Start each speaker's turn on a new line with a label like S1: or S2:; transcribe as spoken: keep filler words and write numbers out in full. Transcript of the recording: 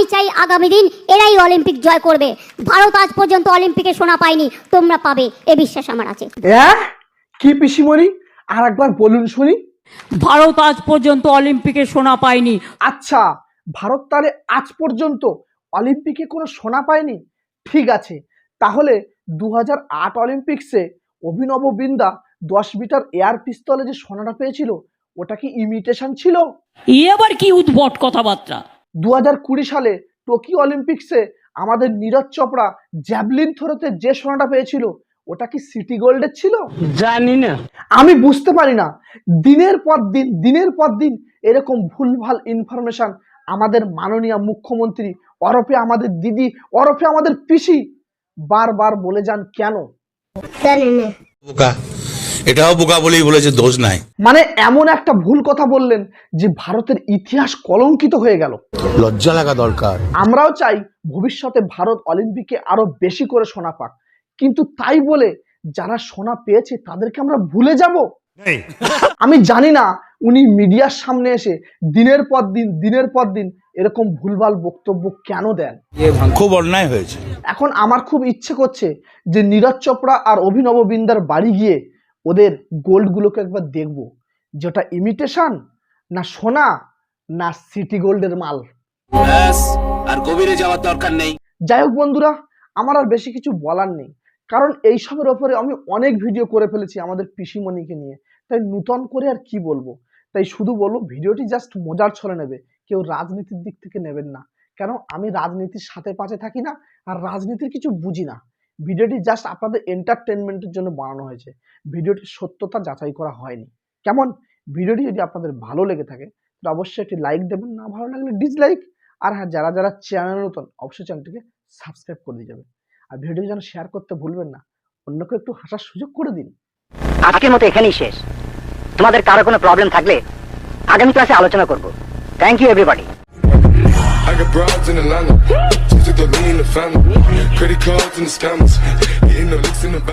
S1: আমি চাই আগামী দিন এরাই অলিম্পিক জয় করবে। ভারত আজ পর্যন্ত অলিম্পিকে সোনা পায়নি, তোমরা পাবে, এ বিশ্বাস আমার আছে।
S2: কি পিসিমণি, আর একবার বলুন শুনি।
S3: ভারত আজ পর্যন্ত অলিম্পিকে সোনা পায়নি।
S2: আচ্ছা, ভারত তাহলে আজ পর্যন্ত অলিম্পিকে কোনো সোনা পায়নি। ঠিক আছে, তাহলে দু হাজার আট অলিম্পিক্সে অভিনব বিন্দা দশ মিটার এয়ার পিস্তলে যে সোনাটা পেয়েছিল, ওটা কি ইমিটেশন ছিল?
S3: এ আবার কি উদ্ভট কথাবার্তা।
S2: দু হাজার কুড়ি সালে টোকিও অলিম্পিক্সে আমাদের নীরজ চোপড়া জ্যাভলিন থ্রোতে যে সোনাটা পেয়েছিল, ওটা কি সিটি গোল্ডের ছিল?
S4: জানি না,
S2: আমি বুঝতে পারি না। দিনের পর দিন দিনের পর দিন এরকম ভুলভাল ইনফরমেশন আমাদের মাননীয় মুখ্যমন্ত্রী ওরফে আমাদের দিদি ওরফে আমাদের পিসি বারবার বলে যান কেন?
S5: বোকা, এটাও বোকা বলেই বলেছে, দোষ নাই।
S2: মানে এমন একটা ভুল কথা বললেন যে ভারতের ইতিহাস কলঙ্কিত হয়ে গেল।
S5: লজ্জা লাগা দরকার।
S2: আমরাও চাই ভবিষ্যতে ভারত অলিম্পিকে আরো বেশি করে সোনা পাক, কিন্তু তাই বলে যারা সোনা পেয়েছে তাদেরকে আমরা ভুলে যাব? আমি জানি না উনি মিডিয়ার সামনে এসে দিনের পর দিন দিনের পর দিন এরকম ভুলভাল বক্তব্য কেন দেন।
S5: খুব অন্যায় হয়েছে।
S2: এখন আমার খুব ইচ্ছে করছে যে নীরজ চোপড়া আর অভিনব বিন্দার বাড়ি গিয়ে ওদের গোল্ডগুলোকে একবার দেখব, যেটা ইমিটেশন না সোনা না সিটি গোল্ডের মাল।
S6: আর গভীরে যাওয়ার দরকার নেই।
S2: যাই হোক বন্ধুরা, আমার আর বেশি কিছু বলার নেই, কারণ এইসবের ওপরে আমি অনেক ভিডিও করে ফেলেছি আমাদের পিসিমণিকে নিয়ে, তাই নূতন করে আর কি বলবো। তাই শুধু বলবো, ভিডিওটি জাস্ট মজার ছলে নেবে, কেউ রাজনীতির দিক থেকে নেবেন না, কারণ আমি রাজনীতির সাথে পাশে থাকি না আর রাজনীতির কিছু বুঝি না। ভিডিওটি জাস্ট আপনাদের এন্টারটেনমেন্টের জন্য বানানো হয়েছে, ভিডিওটির সত্যতা যাচাই করা হয়নি। কেমন? ভিডিওটি যদি আপনাদের ভালো লেগে থাকে তো অবশ্যই একটি লাইক দেবেন, না ভালো লাগলে ডিসলাইক। আর হ্যাঁ, যারা যারা চ্যানেল নতুন অবশ্যই চ্যানেলটিকে সাবস্ক্রাইব করে দিয়ে যাবেন। আর ভিডিওটি যেন শেয়ার করতে ভুলবেন না, অন্যকে একটু হাসার সুযোগ করে দিন।
S7: আজকের মতো এখানেই শেষ। তোমাদের কারো কোনো প্রবলেম থাকলে আগামী ক্লাসে আলোচনা করব। Thank you everybody.
S8: I got broads in Atlanta, just took the lean in the family, credit cards and the scammers, hitting the licks in the back.